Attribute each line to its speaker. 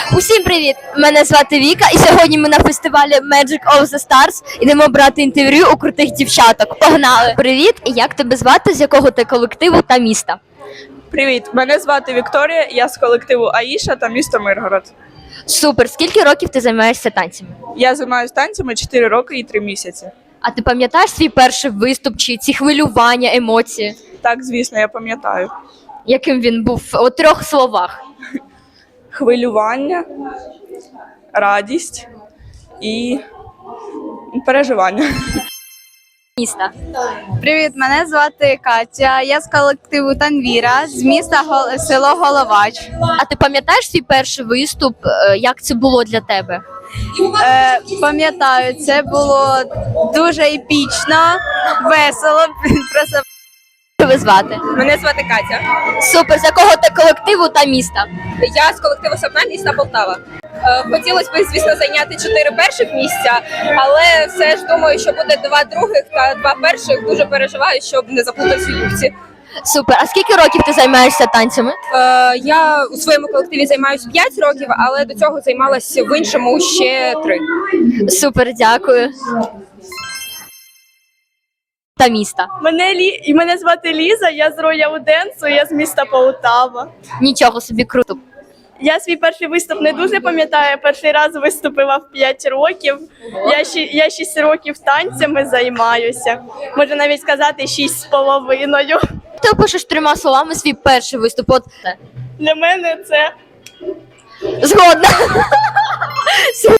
Speaker 1: Усім привіт! Мене звати Віка, і сьогодні ми на фестивалі Magic of the Stars ідемо брати інтерв'ю у крутих дівчаток. Погнали! Привіт! Як тебе звати? З якого ти колективу та міста?
Speaker 2: Привіт, мене звати Вікторія, я з колективу Аїша та місто Миргород.
Speaker 1: Супер! Скільки років ти займаєшся танцями?
Speaker 2: Я займаюся танцями 4 роки і 3 місяці.
Speaker 1: А ти пам'ятаєш свій перший виступ чи ці хвилювання, емоції?
Speaker 2: Так, звісно, я пам'ятаю.
Speaker 1: Яким він був у 3 словах?
Speaker 2: Хвилювання, радість і переживання.
Speaker 1: Міста.
Speaker 3: Привіт, мене звати Катя. Я з колективу Танвіра з міста село Головач.
Speaker 1: А ти пам'ятаєш свій перший виступ? Як це було для тебе?
Speaker 3: Пам'ятаю, це було дуже епічно, весело. Просто
Speaker 1: Як тебе звати?
Speaker 4: Мене звати Катя.
Speaker 1: Супер! З якого ти колективу та міста?
Speaker 4: Я з колективу Сапна, міста Полтава. Хотілося б, звісно, зайняти 4 перших місця, але все ж думаю, що буде 2 других та 2 перших. Дуже переживаю, щоб не заплутатися у юбці.
Speaker 1: Супер! А скільки років ти займаєшся танцями?
Speaker 4: Я у своєму колективі займаюся 5 років, але до цього займалася в іншому ще 3.
Speaker 1: Супер, дякую. Та міста.
Speaker 2: Мене звати Ліза, я з Роял Денсу, я з міста Полтава.
Speaker 1: Нічого собі, круто.
Speaker 2: Я свій перший виступ не дуже пам'ятаю, перший раз виступила в 5 років. Я 6 років танцями займаюся, можу навіть сказати 6,5.
Speaker 1: Ти опишеш 3 словами свій перший виступ. От це.
Speaker 2: Для мене це
Speaker 1: Згодна. Все,